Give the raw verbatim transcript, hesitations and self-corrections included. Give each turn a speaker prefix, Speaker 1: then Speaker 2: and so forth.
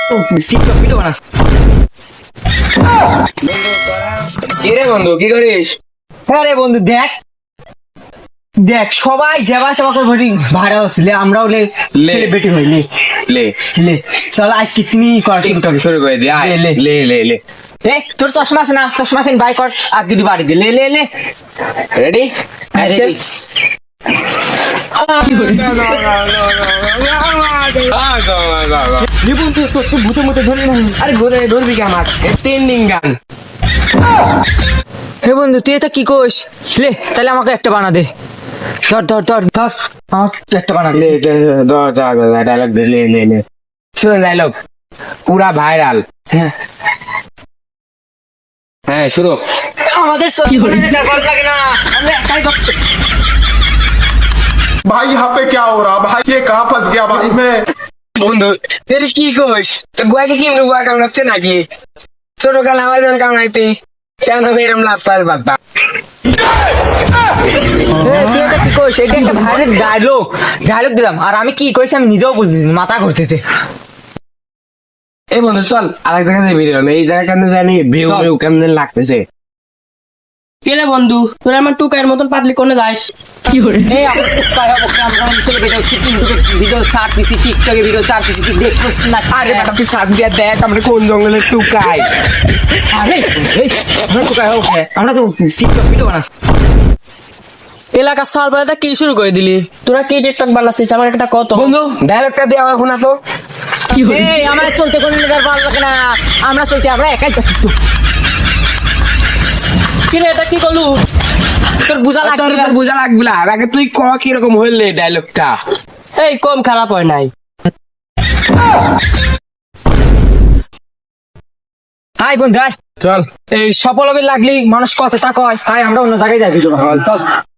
Speaker 1: TikTok video বানাস।
Speaker 2: কি রে বন্ধু কি করিস?
Speaker 1: হ্যাঁ রে বন্ধু, দেখ দেখ সবাই যাবা সবাই ভরি ভাড়া আসলে আমরাও লে
Speaker 2: লে।
Speaker 1: সেলিব্রিটি হই লে
Speaker 2: লে
Speaker 1: লে চল আজকে তুমি কর শুরু
Speaker 2: টিকটক শুরু করে দে আয়
Speaker 1: লে, লে।
Speaker 2: লে লে লে
Speaker 1: এ তোর চশমা আছে না, চশমা কিন বাই কর আর যদি বাড়ি দে লে লে লে
Speaker 2: রেডি অ্যাকশন
Speaker 1: নিপুন তুই তোর তুই ভূতে মুতে ধরবি না।
Speaker 2: আরে ঘুরে ধরবি কি আমার ট্রেন্ডিং গান
Speaker 1: হে বন্ধু তুই এটা কি কোস? লে তাহলে আমাকে একটা বানা দে। ধর ধর ধর ধর আমাকে একটা বানা দে।
Speaker 2: লে ধর যা ডায়লগ দে লে লে লে শুন ডায়লগ পুরা ভাইরাল।
Speaker 1: হ্যাঁ
Speaker 2: হ্যাঁ শুরু।
Speaker 1: আমাদের চশমা ভালো লাগে না, আমরা একাই ধরছি।
Speaker 3: भाई यहाँ पे क्या हो रहा भाई ये कहाँ फंस गया भाई मैं
Speaker 2: বন্ধু তুই কি কইস? তো গুয়াকে কি গুয়া কামড়াচ্ছে নাকি? ছোট কাল আমার যখন কামড়াইতি কেন এরম লাভ পাস বাপ্পা?
Speaker 1: এ, তুই এটা কি কইস? এটা একটা ভাইরাল ডায়লগ ডায়লগ দিলাম আর আমি কি কইছি আমি নিজেও বুঝতেছি না, মাথা ঘুরতেছে।
Speaker 2: এই বন্ধু চল আরেক জায়গায় ভিডিও এই জায়গা কেমন জানি ভিউ
Speaker 1: চল।
Speaker 2: ভিউ কেমন লাগতেছে।
Speaker 4: কেলে বন্ধু তোর আমার টুকায়ের মতন পাতলি কোনে যাস?
Speaker 1: এই আমরা টুকাই হবো কি? আমরা অঞ্চলে ভিডিও টিকটকে ভিডিও ছাড় দিছি, টিকটকে ভিডিও ছাড় দিছি, তুই দেখছিস না?
Speaker 2: আরে বেটা তুই সাত দিয়া দেখ আমরা কোন জঙ্গলে টুকাই।
Speaker 1: আরে এই আমরা টুকাই হবো কে? আমরা তো টিকটক ভিডিও বানাচ্ছি।
Speaker 4: এলাকার সালপাড়াটা কি শুরু করে দিলি? তোরা কি টিকটক বানাচ্ছিস আমার একটা কত?
Speaker 2: বন্ধু ডায়লগটা দিয়ে আমার শোনা তো।
Speaker 1: এই আমরা চলতে কোনো নেতার ভালো লাগে না, আমরা চলতে আমরা একাই যাচ্ছি।
Speaker 4: কিরে এটা কি করলু?
Speaker 1: তোর বুঝা
Speaker 2: তোর
Speaker 1: লাগবে
Speaker 2: তোর বোঝা লাগবে না আগে তুই ক কিরকম হইলে ডায়লগটা।
Speaker 4: এই কম খারাপ হয় নাই।
Speaker 1: হাই বন্ধু হাই।
Speaker 2: চল
Speaker 1: এই সফল হবে লাগলি মানুষ কত তা কয়, হাই আমরা অন্য জায়গায় যাই ভিডিও বানাবো। চল